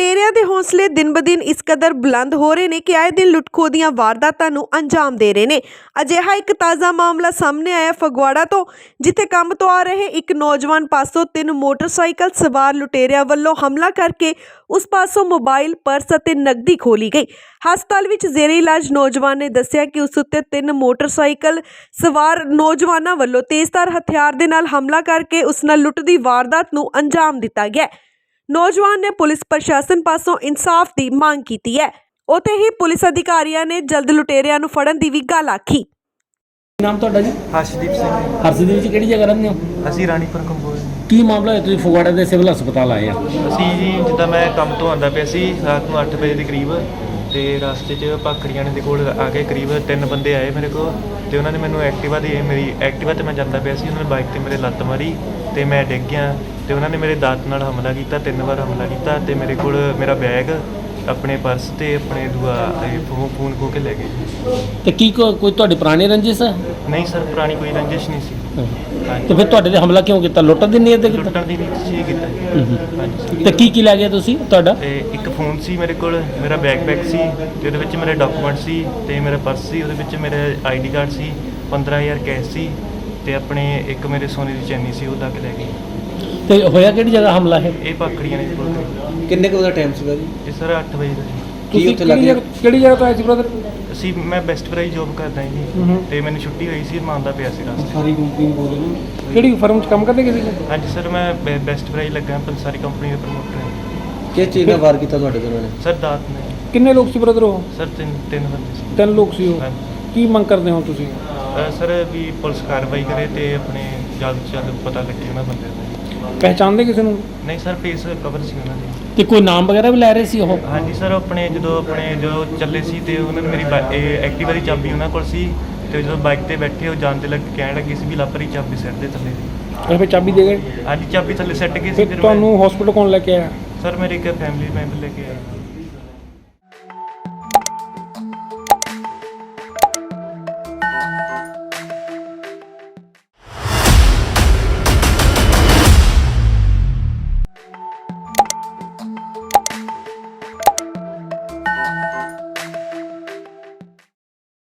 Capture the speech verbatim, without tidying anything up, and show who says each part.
Speaker 1: ਲੁਟੇਰਿਆਂ ਦੇ ਹੌਸਲੇ ਦਿਨ ਬ ਦਿਨ ਇਸ ਕਦਰ ਬੁਲੰਦ ਹੋ ਰਹੇ ਨੇ ਕਿ ਆਏ ਦਿਨ ਲੁੱਟ-ਖੋਹ ਦੀਆਂ ਵਾਰਦਾਤਾਂ ਨੂੰ ਅੰਜਾਮ ਦੇ ਰਹੇ ਨੇ। ਅਜਿਹਾ ਇੱਕ ਤਾਜ਼ਾ ਮਾਮਲਾ ਸਾਹਮਣੇ ਆਇਆ ਫਗਵਾੜਾ ਤੋਂ, ਜਿੱਥੇ ਕੰਮ ਤੋਂ ਆ ਰਹੇ ਇੱਕ ਨੌਜਵਾਨ ਪਾਸੋਂ ਤਿੰਨ ਮੋਟਰਸਾਈਕਲ ਸਵਾਰ ਲੁਟੇਰਿਆਂ ਵੱਲੋਂ ਹਮਲਾ ਕਰਕੇ ਉਸ ਪਾਸੋਂ ਮੋਬਾਈਲ, ਪਰਸ ਅਤੇ ਨਕਦੀ ਖੋਹ ਲਈ ਗਈ। ਹਸਪਤਾਲ ਵਿੱਚ ਜ਼ੇਰੇ ਇਲਾਜ ਨੌਜਵਾਨ ਨੇ ਦੱਸਿਆ ਕਿ ਉਸ ਉੱਤੇ ਤਿੰਨ ਮੋਟਰਸਾਈਕਲ ਸਵਾਰ ਨੌਜਵਾਨਾਂ ਵੱਲੋਂ ਤੇਜ਼ਧਾਰ ਹਥਿਆਰ ਦੇ ਨਾਲ ਹਮਲਾ ਕਰਕੇ ਉਸ ਨਾਲ ਲੁੱਟ ਦੀ ਵਾਰਦਾਤ ਨੂੰ ਅੰਜਾਮ ਦਿੱਤਾ ਗਿਆ। ਨੌਜਵਾਨ ਨੇ ਪੁਲਿਸ ਪ੍ਰਸ਼ਾਸਨ ਪਾਸੋਂ ਇਨਸਾਫ ਦੀ ਮੰਗ ਕੀਤੀ ਹੈ। ਉੱਥੇ ਹੀ ਪੁਲਿਸ ਅਧਿਕਾਰੀਆਂ ਨੇ ਜਲਦ ਲੁਟੇਰਿਆਂ ਨੂੰ ਫੜਨ ਦੀ ਵੀ ਗੱਲ ਆਖੀ।
Speaker 2: ਨਾਮ ਤੁਹਾਡਾ ਜੀ?
Speaker 3: ਹਰਸ਼ਦੀਪ ਸਿੰਘ।
Speaker 2: ਹਰਸ਼ਦੀਪ ਜੀ ਕਿਹੜੀ ਜਗ੍ਹਾ ਰਹਿੰਦੇ ਹੋ?
Speaker 3: ਅਸੀਂ ਰਾਣੀਪੁਰ ਕੰਬੋਜ।
Speaker 2: ਕੀ ਮਾਮਲਾ ਹੈ, ਤੁਸੀਂ ਫਗਵਾੜਾ ਦੇ ਸਿਵਲ ਹਸਪਤਾਲ ਆਏ ਆ?
Speaker 3: ਅਸੀਂ ਜੀ ਜਿੱਦਾਂ ਮੈਂ ਕੰਮ ਤੋਂ ਆਉਂਦਾ ਪਿਆ ਸੀ ਰਾਤ ਨੂੰ ਅੱਠ ਵਜੇ ਦੇ ਕਰੀਬ, ਤੇ ਰਸਤੇ 'ਚ ਭਾਖੜੀਆਂ ਦੇ ਕੋਲ ਆ ਕੇ ਕਰੀਬ ਤਿੰਨ ਬੰਦੇ ਆਏ ਮੇਰੇ ਕੋਲ, ਤੇ ਉਹਨਾਂ ਨੇ ਮੈਨੂੰ ਐਕਟਿਵਾ ਦੀ ਮੇਰੀ ਐਕਟਿਵਾ 'ਤੇ ਮੈਂ ਜਾਂਦਾ ਪਿਆ ਸੀ, ਉਹਨਾਂ ਨੇ ਬਾਈਕ 'ਤੇ ਮੇਰੇ ਲੱਤ ਮਾਰੀ ਤੇ ਮੈਂ ਡਿੱਗ ਗਿਆ, ਤੇ ਉਹਨਾਂ ਨੇ ਮੇਰੇ ਦਾਤ ਨਾਲ ਹਮਲਾ ਕੀਤਾ, ਤਿੰਨ ਵਾਰ ਹਮਲਾ ਕੀਤਾ, ਤੇ ਮੇਰੇ ਕੋਲ ਮੇਰਾ ਬੈਗ, ਆਪਣੇ ਪਰਸ ਤੇ ਆਪਣੇ ਦੂਆ ਫੋਨ ਖੋਹ ਕੇ ਲੈ ਗਏ।
Speaker 2: ਤੇ ਕੀ ਕੋ- ਕੋਈ ਤੁਹਾਡੀ ਪੁਰਾਣੀ ਰੰਜਿਸ਼ ਹੈ?
Speaker 3: ਨਹੀਂ ਸਰ, ਪੁਰਾਣੀ ਕੋਈ ਰੰਜਿਸ਼ ਨਹੀਂ ਸੀ।
Speaker 2: ਤੇ ਫਿਰ ਤੁਹਾਡੇ ਤੇ ਹਮਲਾ ਕਿਉਂ ਕੀਤਾ? ਲੁੱਟਣ ਦੀ ਨੀਅਤ ਤੇ ਕੀਤਾ?
Speaker 3: ਲੁੱਟਣ ਦੀ ਨੀਅਤ ਸੀ ਕੀਤਾ ਜੀ। ਹਾਂਜੀ।
Speaker 2: ਤੇ ਕੀ ਕੀ ਲੈ ਗਏ ਤੁਸੀਂ ਤੁਹਾਡਾ?
Speaker 3: ਤੇ ਇੱਕ ਫੋਨ ਸੀ ਮੇਰੇ ਕੋਲ, ਮੇਰਾ ਬੈਕਪੈਕ ਸੀ, ਤੇ ਉਹਦੇ ਵਿੱਚ ਮੇਰੇ ਡਾਕੂਮੈਂਟ ਸੀ, ਤੇ ਮੇਰਾ ਪਰਸ ਸੀ, ਉਹਦੇ ਵਿੱਚ ਮੇਰੇ ਆਈਡੀ ਕਾਰਡ ਸੀ, ਪੰਦਰਾਂ ਹਜ਼ਾਰ ਕੈਸ਼ ਸੀ, ਤੇ ਆਪਣੇ ਇੱਕ ਮੇਰੇ ਸੋਨੇ ਦੀ ਚੈਨੀ ਸੀ, ਉਹ ਤੱਕ ਲੈ ਗਏ।
Speaker 2: ਤੇ ਹੋਇਆ ਕਿਹੜੀ ਜਗ੍ਹਾ ਹਮਲਾ ਹੈ?
Speaker 3: ਇਹ ਭਾਖੜੀਆਂ ਨੇ ਕੋਲ।
Speaker 4: ਕਿੰਨੇ ਕੁ ਦਾ ਟਾਈਮ ਸੀਗਾ ਜੀ?
Speaker 3: ਇਹ ਸਰ ਅੱਠ ਵਜੇ ਦਾ ਜੀ।
Speaker 4: ਕੀ ਉੱਥੇ ਲੱਗੇ?
Speaker 2: ਕਿਹੜੀ ਜਗ੍ਹਾ ਤੋਂ ਆਏ ਸੀ ਬ੍ਰਦਰ?
Speaker 3: ਅਸੀਂ ਮੈਂ ਬੈਸਟ ਫਰਾਈ ਜੋਬ ਕਰਦਾ ਜੀ, ਤੇ ਮੈਨੂੰ ਛੁੱਟੀ ਹੋਈ ਸੀ, ਮੈਂ ਆਉਂਦਾ ਪਿਆ ਸੀ ਰਸਤੇ।
Speaker 4: ਸਾਰੀ ਕੰਪਨੀ ਬੋਲ ਰਹੇ ਨੇ।
Speaker 2: ਕਿਹੜੀ ਫਰਮ 'ਚ ਕੰਮ ਕਰਦੇ ਕਿਸੇ?
Speaker 3: ਹਾਂਜੀ ਸਰ, ਮੈਂ ਬੈ- ਬੈਸਟ ਫਰਾਈ ਲੱਗਾ, ਪੰਸਾਰੀ ਕੰਪਨੀ ਦਾ ਪ੍ਰਮੋਟਰ ਹਾਂ।
Speaker 4: ਕਿਸ ਚੀਜ਼ ਨਾਲ ਵਾਰ ਕੀਤਾ ਤੁਹਾਡੇ ਤੇ ਉਹਨਾਂ ਨੇ?
Speaker 3: ਸਰ ਦਾਤ ਨੇ।
Speaker 2: ਕਿੰਨੇ ਲੋਕ ਸੀ ਬ੍ਰਦਰ ਉਹ?
Speaker 3: ਸਰ ਤਿੰਨ ਤਿੰਨ ਬੰਦੇ ਸੀ।
Speaker 2: ਤਿੰਨ ਲੋਕ ਸੀ ਉਹ।
Speaker 3: ਹਾਂਜੀ।
Speaker 2: ਕੀ ਮੰਗ ਕਰਦੇ ਹੋ ਤੁਸੀਂ?
Speaker 3: ਅ, ਸਰ ਵੀ ਪੁਲਿਸ ਕਾਰਵਾਈ ਕਰੇ ਤੇ ਆਪਣੇ ਜਲਦ ਤੋਂ ਜਲਦ ਪਤਾ ਲੱਗੇ ਉਹਨਾਂ ਬੰਦੇ ਦਾ।
Speaker 2: ਪਹਿਚਾਣਦੇ ਕਿਸੇ ਨੂੰ?
Speaker 3: ਨਹੀਂ ਸਰ, ਫੇਸ ਕਵਰ ਸੀ ਉਹਨਾਂ ਦੇ।
Speaker 2: ਤੇ ਕੋਈ ਨਾਮ ਵਗੈਰਾ ਵੀ ਲੈ ਰਹੇ ਸੀ ਉਹ?
Speaker 3: ਹਾਂਜੀ ਸਰ, ਆਪਣੇ ਜਦੋਂ ਆਪਣੇ ਜਦੋਂ ਚੱਲੇ ਸੀ ਤੇ ਉਹਨਾਂ ਨੇ ਮੇਰੀ ਬਾ- ਇਹ ਐਕਟਿਵਾ ਦੀ ਚਾਬੀ ਉਹਨਾਂ ਕੋਲ ਸੀ, ਤੇ ਜਦੋਂ ਬਾਈਕ ਤੇ ਬੈਠੇ ਉਹ ਜਾਣ ਦੇ ਲੱਗ ਕਹਿਣ ਲੱਗੇ ਸੀ ਵੀ ਲਾਪਰੀ ਚਾਬੀ ਸਿੱਟ ਦੇ ਥੱਲੇ ਦੀ।
Speaker 2: ਉਹ ਫਿਰ ਚਾਬੀ ਦੇ ਗਏ?
Speaker 3: ਹਾਂਜੀ, ਚਾਬੀ ਥੱਲੇ ਸਿੱਟ ਗਈ ਸੀ।
Speaker 2: ਫਿਰ
Speaker 3: ਫਿਰ
Speaker 2: ਤੁਹਾਨੂੰ ਹਸਪੀਟਲ ਕੌਣ ਲੈ ਕੇ ਆਇਆ?
Speaker 3: ਸਰ ਮੇਰੇ ਇੱਕ ਫੈਮਿਲੀ ਮੈਂਬਰ ਲੈ ਕੇ ਆਇਆ।